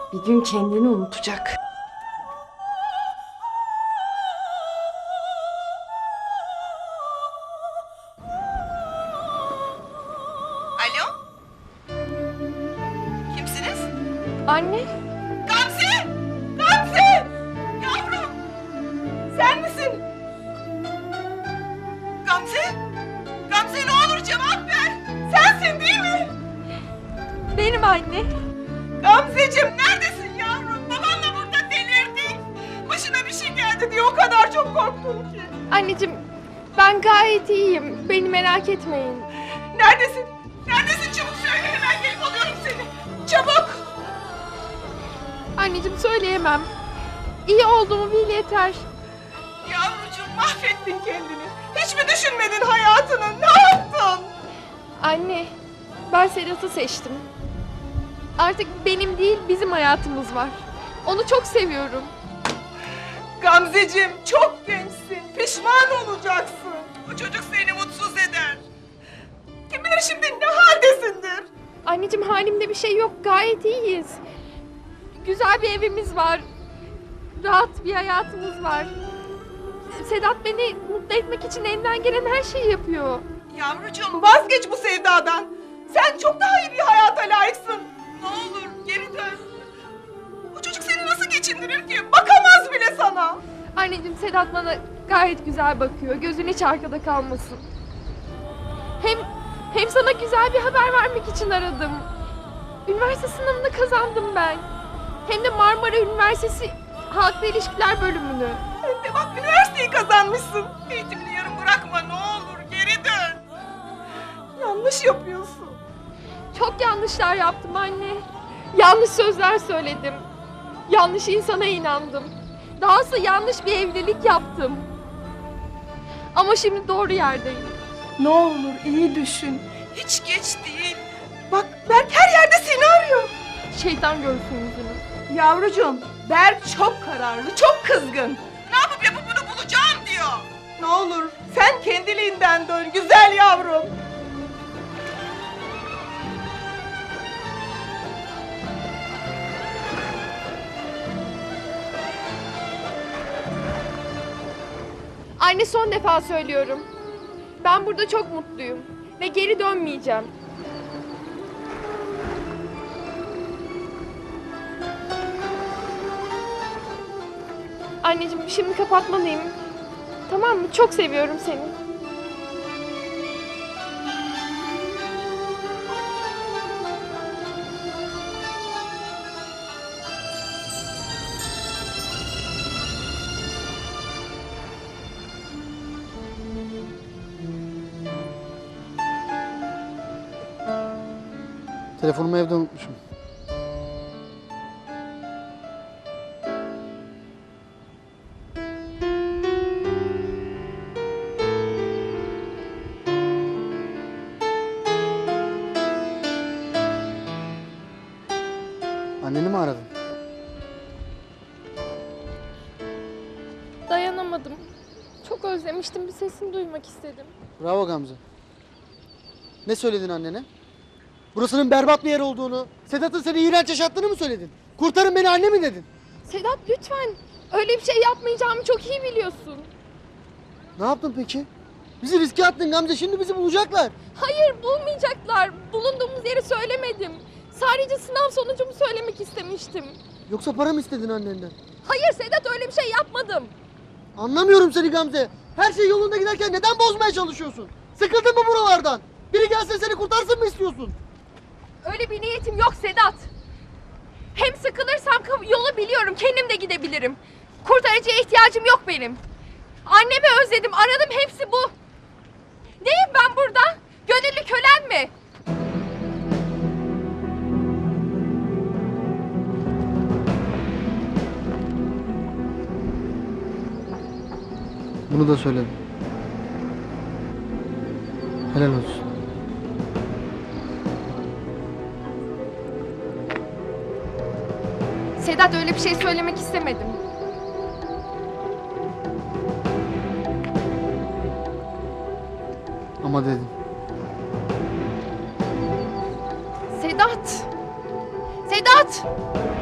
Bir gün kendini unutacak. Alo? Kimsiniz? Anne, Gamze! Gamze! Yavrum! Sen misin? Gamze? Gamze ne olur cevap ver! Sensin değil mi? benim anne. Gamzeciğim neredesin yavrum? Babanla burada delirdik. Başına bir şey geldi diye o kadar çok korktum ki. Anneciğim, ben gayet iyiyim. Beni merak etmeyin. Neredesin? Neredesin? Çabuk söyle, hemen gelip alıyorum seni. Çabuk! Anneciğim söyleyemem. İyi olduğumu bil yeter. Yavrucuğum mahvettin kendini. Hiç mi düşünmedin hayatını? Ne yaptın? Anne, ben Sedat'ı seçtim. Artık benim değil, bizim hayatımız var. Onu çok seviyorum. Gamzeciğim çok gençsin. Pişman olacaksın. Bu çocuk seni mutsuz eder. Kim bilir şimdi ne haldesindir. Anneciğim halimde bir şey yok, gayet iyiyiz. Güzel bir evimiz var. Rahat bir hayatımız var. Sedat beni mutlu etmek için elinden gelen her şeyi yapıyor. Yavrucuğum vazgeç bu sevdadan. Sen çok daha iyi bir hayata layıksın. Ne olur geri dön. Bu çocuk seni nasıl geçindirir ki? Bakamaz bile sana. Anneciğim Sedat bana gayet güzel bakıyor. Gözün hiç arkada kalmasın. Hem sana güzel bir haber vermek için aradım. Üniversite sınavını kazandım ben. Hem de Marmara Üniversitesi Halkla İlişkiler bölümünü. Sen de bak üniversiteyi kazanmışsın. Eğitimini yarım bırakma ne olur geri dön. Yanlış yapıyorsun. Çok yanlışlar yaptım anne. Yanlış sözler söyledim. Yanlış insana inandım. Dahası yanlış bir evlilik yaptım. Ama şimdi doğru yerdeyim. Ne olur iyi düşün. Hiç geç değil. Bak Berk her yerde seni arıyor. Şeytan görsün yüzünü. Yavrucuğum Berk çok kararlı, çok kızgın. Ne yapıp bunu bulacağım diyor. Ne olur sen kendiliğinden dön güzel yavrum. Anne son defa söylüyorum. Ben burada çok mutluyum. Ve geri dönmeyeceğim. Anneciğim şimdi kapatmalıyım. Tamam mı? Çok seviyorum seni. Telefonumu evde unutmuşum. Anneni mi aradın? Dayanamadım. Çok özlemiştim. Bir sesini duymak istedim. Bravo Gamze. Ne söyledin annene? Burasının berbat bir yer olduğunu, Sedat'ın seni iğrenç yaşattığını mı söyledin? Kurtarın beni anne mi dedin? Sedat lütfen. Öyle bir şey yapmayacağımı çok iyi biliyorsun. Ne yaptın peki? Bizi riske attın Gamze, şimdi bizi bulacaklar. Hayır bulmayacaklar. Bulunduğumuz yeri söylemedim. Sadece sınav sonucumu söylemek istemiştim. Yoksa para mı istedin annenden? Hayır Sedat öyle bir şey yapmadım. Anlamıyorum seni Gamze. Her şey yolunda giderken neden bozmaya çalışıyorsun? Sıkıldın mı buralardan? Biri gelse seni kurtarsın mı istiyorsun? Öyle bir niyetim yok Sedat. Hem sıkılırsam yolu biliyorum. Kendim de gidebilirim. Kurtarıcıya ihtiyacım yok benim. Annemi özledim. Aradım hepsi bu. Neyim ben burada? Gönüllü kölen mi? Bunu da söyledim. Helal olsun. Sedat öyle bir şey söylemek istemedim. Ama dedim. Sedat! Sedat!